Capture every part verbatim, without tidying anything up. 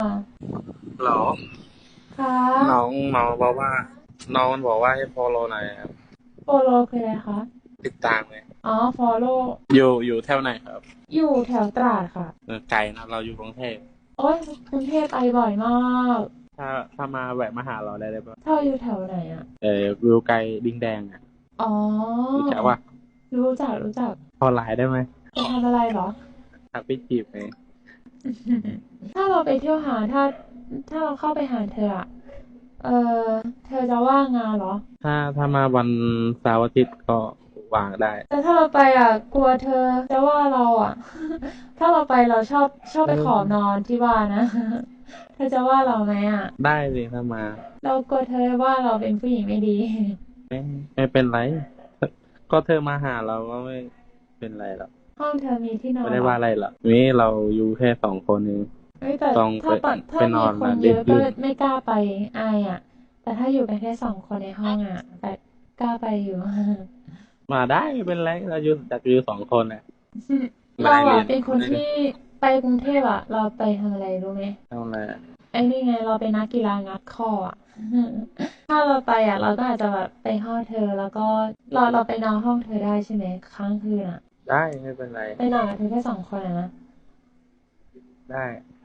เหรอค่ะน้องน้องบอกว่าน้องมันบอกว่าให้ฟอลโล่หน่อยครับโฟโลคืออะไรคะติดตามไงอ๋อฟอลโลอยู่อยู่แถวไหนครับอยู่แถวตราดค่ะเออไกลนะเราอยู่กรุงเทพโอ้ยกรุงเทพไปบ่อยมากถ้าถ้ามาแวะมาหาเราได้เลยปะเท่าอยู่แถวไหนอ่ะเออวิวไกลดิงแดงอ่ะอ๋อรู้จักว่ารู้จักรู้จักพอไลน์ได้ไหมไปทำอะไรเหรอทักไปจีบไงถ้าเราไปเที่ยวหาถ้าถ้าเราเข้าไปหาเธออะเออเธอจะว่างงานเหรอถ้าถ้ามาวันเสาร์อาทิตย์ก็วางได้แต่ถ้าเราไปอ่ะกลัวเธอจะว่าเราอ่ะถ้าเราไปเราชอบชอบเอไปขอนออนที่บ้านนะเธอจะว่าเราไหมอ่ะได้เลยถ้ามาเรากลัวเธอว่าเราเป็นผู้หญิงไม่ดีไม่ไม่เป็นไรก็เธอมาหาเราก็ไม่เป็นไรหรอกห้องเธอมีที่นอไม่ได้นเหรอว่าอะไรหรอกนี่เราอยู่แค่สองคนเองเอ้ยแต่ต้องไปถ้าปะไปถ้ามีนอนมาคนเยอะก็ดึกดื่นไม่กล้าไปอายอ่ะแต่ถ้าอยู่กันแค่สองคนในห้องอ่ะแต่กล้าไปอยู่มาได้ไม่เป็นไรเราอยู่จากอยู่สองคนน่ะเรานายเรียนอ่ะเป็นคนนายที่ไปกรุงเทพอ่ะเราไปทำอะไรรู้ไหมทำอะไรอะไอ้นี่ไงเราเป็นนักกีฬางัดข้ออ่ะถ้าเราไปอ่ะเราก็อาจจะแบบไปห้องเธอแล้วก็เราเราไปนอนห้องเธอได้ใช่ไหมค้างคืนอ่ะได้ไม่เป็นไรไปนอนกับเธอแค่สองคนอะนะได้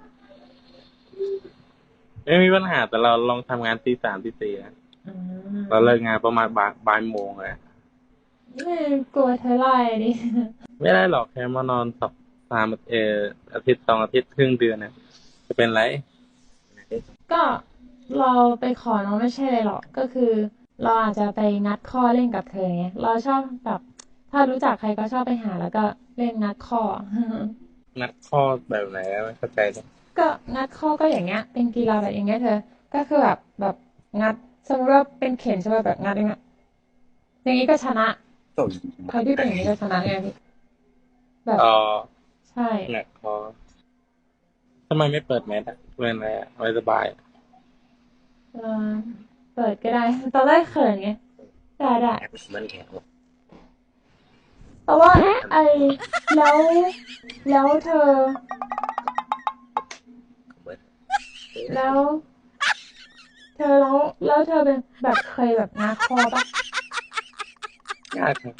ไม่มีปัญหาแต่เราลองทำงานตีสามตีสี่นะอืเราเลิกมงานประมาณบ่ายบ่ายโมงเลยไม่กลัวเธอไล่ดิไม่ได้หรอกแค่มานอนสักสามเอออาทิตย์สองอาทิตย์ครึ่งเดือนนะจะเป็นไรก็เราไปขอน้องไม่ใช่เลยหรอกก็คือเราอาจจะไปงัดข้อเล่นกับเธอไงเราชอบแบบถ้ารู้จักใครก็ชอบไปหาแล้วก็เล่นงัดข้อนัดข้อแบบไหนไม่เข้าใจเลยก็งัดข้อก็อย่างเงี้ยเป็นกีฬาแบบอย่างเงี้ยเธอก็คือแบบแบบงัดสมมติว่าเป็นเข็นใช่ป่ะแบบงัดอย่างเงี้ยอย่างงี้ก็ชนะใครที่เป็นอย่างนี้ก็ชนะไงพี่แบบอ๋อใช่นัดข้อทำไมไม่เปิดแมสอะเป็นอะไรอะไม่สบายเออเปิดก็ได้ตอนแรกเขินไงได้ได้แต่ว่าไอแล้วแล้วเธอแล้วเธอแล้วแล้วเธอเป็นแบบเคยแบบงัดคอปะยากครับ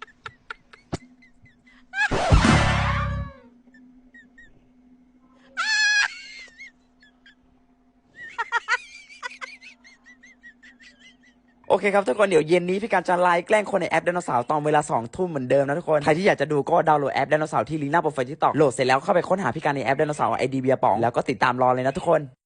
โอเคครับทุกคนเดี๋ยวเย็นนี้พี่การจะไลฟ์แกล้งคนในแอปไดโนเสาร์ตอนเวลาสองทุ่มเหมือนเดิมนะทุกคนใครที่อยากจะดูก็ดาวน์โหลดแอปไดโนเสาร์ที่ลิงก์หน้าโปรไฟล์ทิกตอกโหลดเสร็จแล้วเข้าไปค้นหาพี่การในแอปไดโนเสาร์ไอดีเบียร์ป๋องแล้วก็ติดตามรอเลยนะทุกคน